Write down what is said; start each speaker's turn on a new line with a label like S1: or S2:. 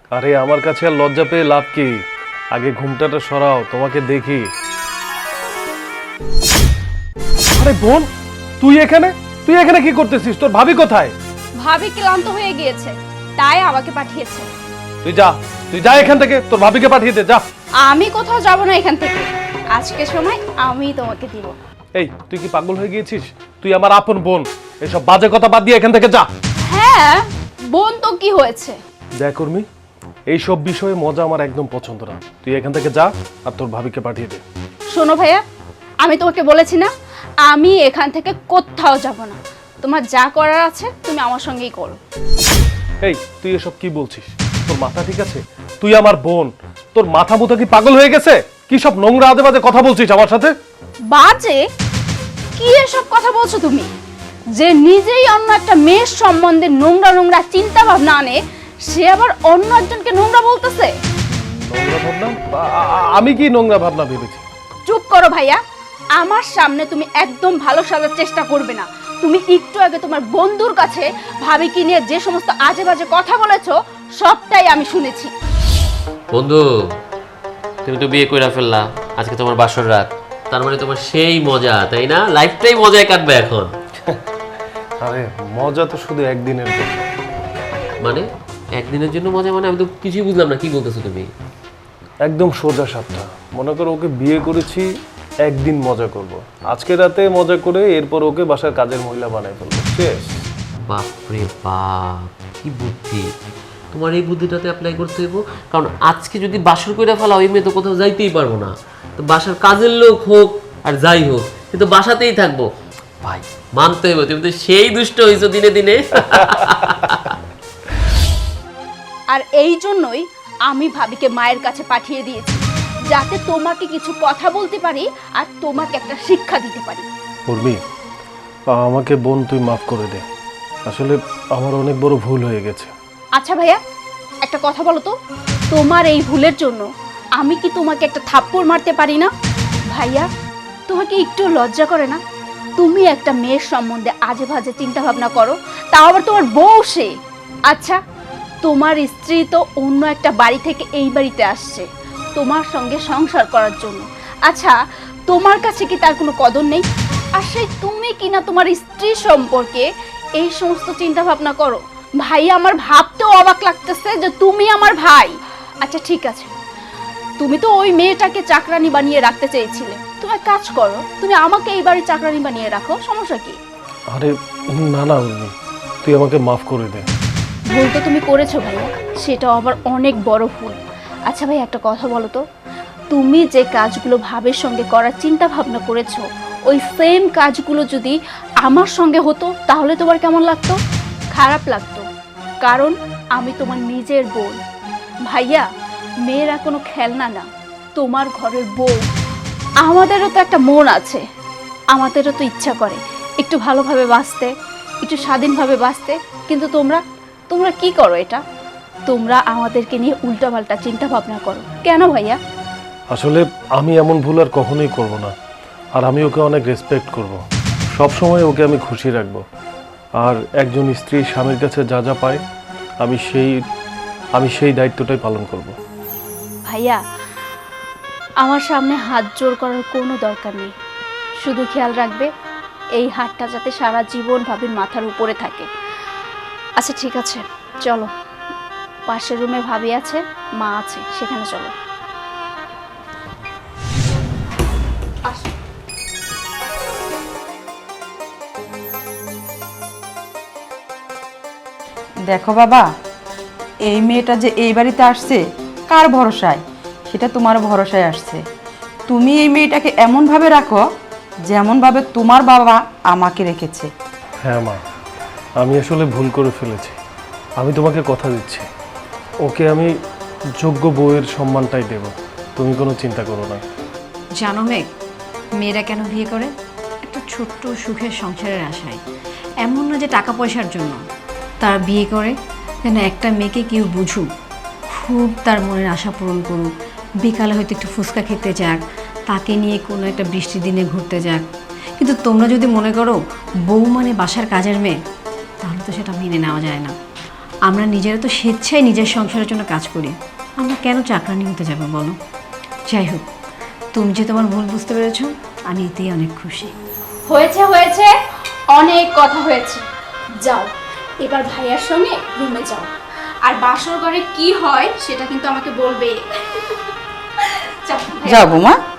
S1: আরে আমার কাছে আর লজ্জা পেয়ে লাভ কি? আগে ঘুমটাটা সরাও, তোমাকে দেখি। আরে বোন, তুই এখানে কি করতেছিস? তোর ভাবি কোথায়?
S2: ভাবি ক্লান্ত হয়ে গিয়েছে, তাই আমাকে পাঠিয়েছে।
S1: তুই যা এখান থেকে, তোর ভাবিকে পাঠিয়ে দে, যা।
S2: আমি কোথাও যাব না এখান থেকে, আজকে সময় আমি তোমাকে দিব।
S1: এই, তুই কি পাগল হয়ে গিয়েছিস? তুই আমার আপন বোন, এসব বাজে কথা বাদ দিয়ে এখান থেকে যা।
S2: হ্যাঁ, বোন তো কি হয়েছে?
S1: দেখ উর্মি, এইসব বিষয়ে মজা আমার একদম পছন্দ না। তুই এখান থেকে যা আর তোর ভাবিকে পাঠিয়ে দে।
S2: শোনো ভাইয়া, আমি তোমাকে বলেছি না আমি এখান থেকে কোথাও যাব না। তোমার যা করার আছে তুমি আমার সঙ্গেই করো।
S1: এই, তুই এসব কি বলছিস? তোর মাথা ঠিক আছে? তুই আমার বোন, তোর মাথা মুথা কি পাগল হয়ে গেছে? কি সব নোংরা আজে বাজে কথা বলছিস আমার সাথে?
S2: বাজে? কি এসব কথা বলছো তুমি? যে নিজেই অন্য একটা মেয়ের সম্বন্ধে নোংরা নোংরা চিন্তা ভাবনা আনে, সে আবার অন্য একজনকে নোংরা বলতেছে।
S1: নোংরা ভাবনা? আমি কি নোংরা ভাবনা ভেবেছি?
S2: চুপ করো ভাইয়া, আমার সামনে তুমি একদম ভালো সাজার চেষ্টা করবে না। তুমি একটু আগে তোমার বন্ধুর কাছে ভাবিকে নিয়ে যে সমস্ত আজে বাজে কথা বলেছো সবটাই আমি শুনেছি।
S3: বন্ধু, তুমি তো বিয়ে কইরা ফেললা, আজকে তোমার বাসর রাত, তার মানে তোমার সেই মজা, তাই না? লাইফটাই মজায় কাটবে এখন।
S1: আরে মজা তো শুধু একদিনের জন্য।
S3: মানে একদিনের জন্য মজা? মানে আমি তো কিছুই বুঝলাম না, কি বলতেছো তুমি?
S1: একদম সোজা সাপটা। মনে করো ওকে বিয়ে করেছি, একদিন মজা করব, আজকে রাতে মজা করে এরপর ওকে বাসার কাজের মহিলা বানাই ফেলবো, শেষ।
S3: বাপরে বাপ, কি বুদ্ধি! তোমার এই বুদ্ধিটাতে অ্যাপ্লাই করতে হইব, কারণ আজকে যদি বাসর কইরা ফেলা ওই মেয়ে তো কোথাও যাইতেই পারবো না। তো বাসার কাজের লোক হোক আর যাই হোক, কিন্তু বাসাতেই থাকবো। ভাই মানতে হইব, তুমি তো সেই দুষ্ট হইছো দিনে দিনে।
S2: আর এই জন্যই আমি ভাবিকে মায়ের কাছে পাঠিয়ে দিয়েছি, যাতে তোমাকে কিছু কথা বলতে পারি আর তোমাকে একটা শিক্ষা দিতে পারি।
S1: উর্মি, আমাকে বোন তুই মাফ করে দে, আসলে আমার অনেক বড় ভুল হয়ে গেছে।
S2: আচ্ছা ভাইয়া, একটা কথা বলো তো, তোমার এই ভুলের জন্য আমি কি তোমাকে একটা থাপ্পড় মারতে পারি না? ভাইয়া, তোমাকে একটু লজ্জা করে না? তুমি একটা মেয়ের সম্বন্ধে আজে বাজে চিন্তা ভাবনা করো, তাও আবার তোমার বউ সে। আচ্ছা, তোমার স্ত্রী তো অন্য একটা বাড়ি থেকে এই বাড়িতে আসছে তোমার সঙ্গে সংসার করার জন্য। আচ্ছা, তোমার কাছে কি তার কোনো কদর নেই? আর সেই তুমি কিনা তোমার স্ত্রী সম্পর্কে এই সমস্ত চিন্তা ভাবনা করো। ভাই, আমার ভাবতেও অবাক লাগতেছে যে তুমি আমার ভাই। আচ্ছা ঠিক আছে, তুমি তো ওই মেয়েটাকে চাকরানি বানিয়ে রাখতে চেয়েছিলে, তুমি এক কাজ করো, তুমি আমাকে এই বাড়ির চাকরানি বানিয়ে রাখো, সমস্যা কি?
S1: আরে না না উর্মি, তুই আমাকে মাফ করে দে।
S2: ভুল তো তুমি করেছো ভাইয়া, সেটাও আবার অনেক বড় ভুল। আচ্ছা ভাই, একটা কথা বলো তো, তুমি যে কাজগুলো ভাবের সঙ্গে করার চিন্তা ভাবনা করেছো, ওই সেম কাজগুলো যদি আমার সঙ্গে হতো তাহলে তোমার কেমন লাগতো? খারাপ লাগতো, কারণ আমি তোমার নিজের বোন। ভাইয়া, মেয়েরা কোনো খেলনা না, তোমার ঘরের বউ। আমাদেরও তো একটা মন আছে, আমাদেরও তো ইচ্ছা করে একটু ভালোভাবে বাঁচতে, একটু স্বাধীনভাবে বাঁচতে, কিন্তু তোমরা কি করো? এটা তোমরা আমাদেরকে নিয়ে উল্টাপাল্টা চিন্তা ভাবনা করো কেন ভাইয়া?
S1: আসলে আমি এমন ভুল আর কখনোই করব না, আর আমি ওকে অনেক রেসপেক্ট করব, সব সময় ওকে আমি খুশি রাখব। আর একজন স্ত্রী স্বামীর কাছে যা যা পায় আমি সেই দায়িত্বটাই পালন করব।
S2: ভাইয়া, আমার সামনে হাত জোর করার কোনো দরকার নেই, শুধু খেয়াল রাখবে এই হাতটা যাতে সারা জীবন ভাবির মাথার উপরে থাকে। আচ্ছা ঠিক আছে, চলো, পাশের রুমে ভাবি আছে, মা আছে, সেখানে চলো।
S4: দেখো বাবা, এই মেয়েটা যে এই বাড়িতে আসছে কার ভরসায়? সেটা তোমার ভরসায় আসছে। তুমি এই মেয়েটাকে এমনভাবে রাখো যেমনভাবে তোমার বাবা আমাকে রেখেছে।
S1: হ্যাঁ মা, আমি আসলে ভুল করে ফেলেছি। আমি তোমাকে কথা দিচ্ছি, ওকে আমি যোগ্য বউয়ের সম্মানটাই দেব, তুমি কোনো চিন্তা করো না।
S5: জানো মেঘ, মেয়েরা কেন বিয়ে করে? একটা ছোট্ট সুখের সংসারের আশায়। এমন না যে টাকা পয়সার জন্য তারা বিয়ে করে, যেন একটা মেয়েকে কেউ বুঝুক, খুব তার মনের আশা পূরণ করুক, বিকালে হয়তো একটু ফুচকা খেতে যাক, তাকে নিয়ে কোনো একটা বৃষ্টির দিনে ঘুরতে যাক। কিন্তু তোমরা যদি মনে করো বউ মানে বাসার কাজের মেয়ে, তাহলে তো সেটা মেনে নেওয়া যায় না। আমরা নিজেরা তো স্বেচ্ছায় নিজের সংসারের জন্য কাজ করি, আমরা কেন চাকরানি হতে যাবো বলো? যাই হোক, তুমি যে তোমার ভুল বুঝতে পেরেছো, আমি এতেই অনেক খুশি।
S2: হয়েছে হয়েছে, অনেক কথা হয়েছে। যাও এবার ভাইয়ার সঙ্গে রুমে যাও, আর বাসর ঘরে কি হয় সেটা কিন্তু আমাকে বলবে। যাও ভাইয়া।
S4: যাও বৌমা।